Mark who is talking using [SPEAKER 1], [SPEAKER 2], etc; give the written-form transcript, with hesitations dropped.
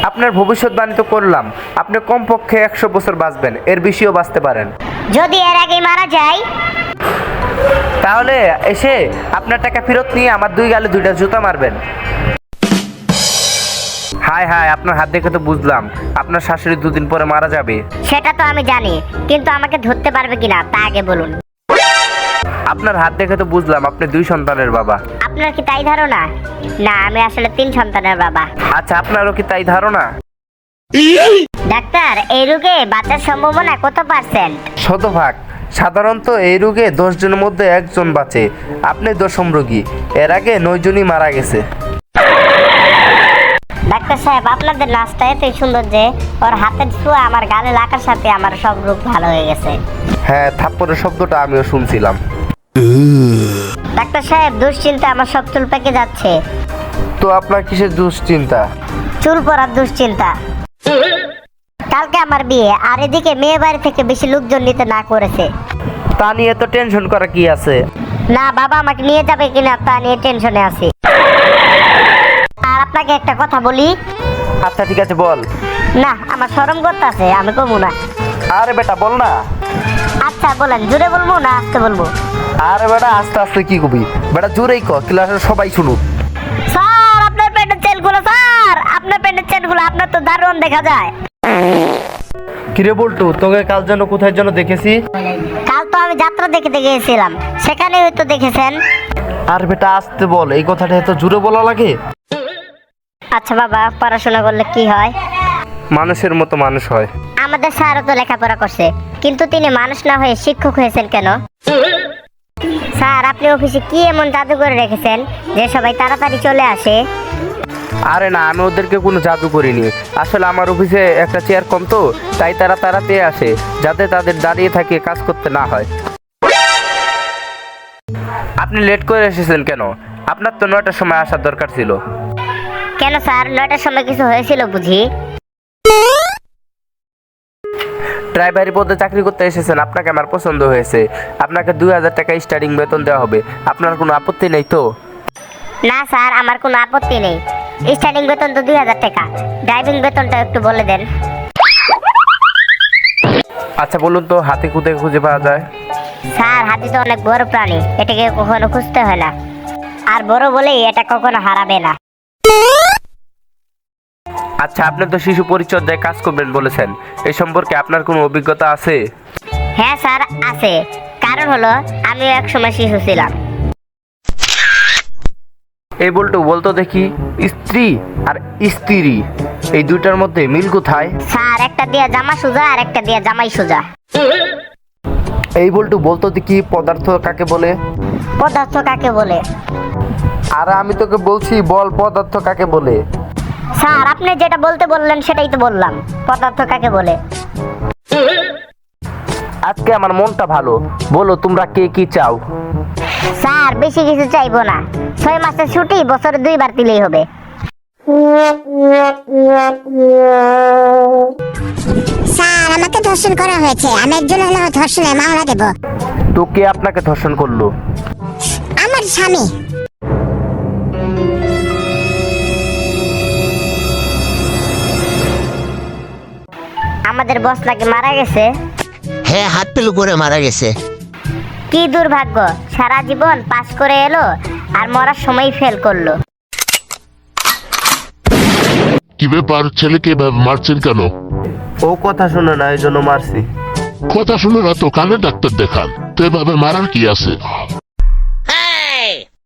[SPEAKER 1] আপনার ভবিষ্যৎবাণী তো করলাম, আপনি কমপক্ষে 100 বছর বাঁচবেন, এর বেশিও বাঁচতে পারেন।
[SPEAKER 2] যদি এর আগে মারা যাই?
[SPEAKER 1] তাহলে এসে আপনার টাকা ফেরত নিয়ে আমার 2 গালে 2টা জুতা মারবেন। হায় হায়, আপনার হাত দেখে তো বুঝলাম আপনার শাশুড়ি 2 দিন পরে মারা যাবে।
[SPEAKER 2] সেটা তো আমি জানি, কিন্তু আমাকে ধরতে পারবে কিনা তা আগে বলুন।
[SPEAKER 1] আপনার হাত দেখে তো বুঝলাম আপনি 2 সন্তানের বাবা।
[SPEAKER 2] আপনার কি তাই ধারণা? না, আমি আসলে 3 সন্তানের বাবা।
[SPEAKER 1] আচ্ছা, আপনারও কি তাই ধারণা?
[SPEAKER 2] ডাক্তার, এই রোগে বাঁচার সম্ভাবনা কত %?
[SPEAKER 1] 100%। সাধারণত এই রোগে 10 জনের মধ্যে 1 জন বাঁচে। আপনি 10ম রোগী। এর আগে 9 জনই মারা গেছে।
[SPEAKER 2] ডাক্তার সাহেব, আপনাদের নাচটা এতই সুন্দর যে ওর হাতের ছোঁয়া আমার গালে লাগার সাথে আমার সব রোগ ভালো হয়ে গেছে।
[SPEAKER 1] হ্যাঁ, থাপ্পড়ের শব্দটা আমিও শুনছিলাম।
[SPEAKER 2] ডাক্তার সাহেব, দুশ্চিন্তা আমার সব চুল পেকে যাচ্ছে।
[SPEAKER 1] তো আপনার কিসের দুশ্চিন্তা?
[SPEAKER 2] চুল পড়ার দুশ্চিন্তা। কালকে আমার বিয়ে, আর এদিকে মেয়ে বাড়ি থেকে বেশি লোকজন নিতে না করেছে।
[SPEAKER 1] তা নিয়ে তো টেনশন করা কি আছে?
[SPEAKER 2] না, বাবা আমাকে নিয়ে যাবে কিনা তা নিয়ে টেনশনে আছি। আর আপনাকে একটা কথা বলি।
[SPEAKER 1] আচ্ছা ঠিক আছে, বল।
[SPEAKER 2] না, আমার শরম করতেছে, আমি কমু না।
[SPEAKER 1] আরে বেটা বল না।
[SPEAKER 2] আচ্ছা বলেন, জোরে বলবো না আস্তে বলবো?
[SPEAKER 1] আরে বেটা আস্তে আস্তে কি কবি, বেটা জোরেই কর, ক্লাসের সবাই শুনুক।
[SPEAKER 2] স্যার, আপনার প্যান্টের চেনগুলো, স্যার আপনার প্যান্টের চেনগুলো, আপনার তো দারুণ দেখা যায়।
[SPEAKER 1] কিরে বলটু, তোকে কাল যেন কোথায় যেন দেখেছি?
[SPEAKER 2] কাল তো আমি যাত্রা দেখতে গিয়েছিলাম, সেখানে হয়তো দেখেছেন।
[SPEAKER 1] আর বেটা আস্তে বল, এই কথাটা এত জোরে বলা লাগে?
[SPEAKER 2] আচ্ছা বাবা, পড়াশোনা করলে কি হয়?
[SPEAKER 1] মানুষের মতো মানুষ হয়।
[SPEAKER 2] আমাদের স্যারও তো লেখাপড়া করছে, কিন্তু তিনি মানুষ না হয়ে শিক্ষক হয়েছেন কেন? স্যার, আপনি অফিসে কি এমন জাদু করে রেখেছেন যে সবাই তাড়াতাড়ি চলে আসে?
[SPEAKER 1] আরে না, আমি ওদেরকে কোনো জাদু করিনি। আসলে আমার অফিসে একটা চেয়ার কম তো, তাই তারা তাড়াতাড়ি আসে, যাতে তাদের দাঁড়িয়ে থাকে কাজ করতে না হয়। আপনি লেট করে এসেছেন কেন? আপনার তো 9টার সময় আসার দরকার ছিল।
[SPEAKER 2] কেন স্যার, 9টার সময় কিছু হয়েছিল বুঝি?
[SPEAKER 1] ড্রাইভারি পদে চাকরি করতে এসেছেন, আপনাকে আমার পছন্দ হয়েছে। আপনাকে 2000 টাকা স্টার্টিং বেতন দেওয়া হবে। আপনার কোনো আপত্তি নেই তো?
[SPEAKER 2] না স্যার, আমার কোনো আপত্তি নেই। স্টার্টিং বেতন তো 2000 টাকা। ড্রাইভিং বেতনটা একটু বলে দেন।
[SPEAKER 1] আচ্ছা বলুন তো, হাতি কোথায় খুঁজে পাওয়া যায়?
[SPEAKER 2] স্যার, হাতি তো অনেক বড় প্রাণী, এটাকে কখনো খুঁজতে হয় না। আর বড় বলেই এটা কখনো হারাবে না।
[SPEAKER 1] আচ্ছা, আপনি তো শিশু পরিচর্যায় কাজ করবেন বলেছেন, এই সম্পর্কে আপনার কোনো অভিজ্ঞতা আছে?
[SPEAKER 2] হ্যাঁ স্যার, আছে। কারণ হলো, আমিও এক সময় শিশু ছিলাম।
[SPEAKER 1] এই বলতো বলতো দেখি, স্ত্রী আর স্ত্রী এই দুইটার মধ্যে মিল কোথায়?
[SPEAKER 2] স্যার, একটা দিয়া জামা সোজা আর একটা দিয়া জামাই সোজা।
[SPEAKER 1] এই বলতো বলতো দেখি, পদার্থ কাকে বলে?
[SPEAKER 2] পদার্থ কাকে বলে?
[SPEAKER 1] আর আমি তোকে বলছি বল, পদার্থ কাকে বলে?
[SPEAKER 2] স্যার, আপনি যেটা বলতে বললেন সেটাই তো বললাম, পদার্থ কাকে বলে।
[SPEAKER 1] আজকে আমার মনটা ভালো, বলো তোমরা কে কি চাও?
[SPEAKER 2] স্যার, বেশি কিছু চাইবো না। 6 মাসের ছুটি বছরে 2 বার দিলেই হবে।
[SPEAKER 3] স্যার, আমাকে ধর্ষণ করা হয়েছে, আমি একজন হলো ধর্ষণের মামলা দেব।
[SPEAKER 1] তো কে আপনাকে ধর্ষণ করলো?
[SPEAKER 3] আমার স্বামী।
[SPEAKER 2] আমাদের বস নাকি মারা গেছে?
[SPEAKER 4] হ্যাঁ, হাত পেলু করে মারা গেছে।
[SPEAKER 2] কি দুর্ভাগ্য, সারা জীবন পাস করে এলো আর মরার সময় ফেল করলো।
[SPEAKER 5] কি ব্যাপার, ছেলেকে এভাবে মারছেন কেন?
[SPEAKER 1] ও কথা শুনে না, এই জন্য মারছি।
[SPEAKER 5] কথা শুনে না তো কানে ডাক্তার দেখান, তো এভাবে মারার কি আছে?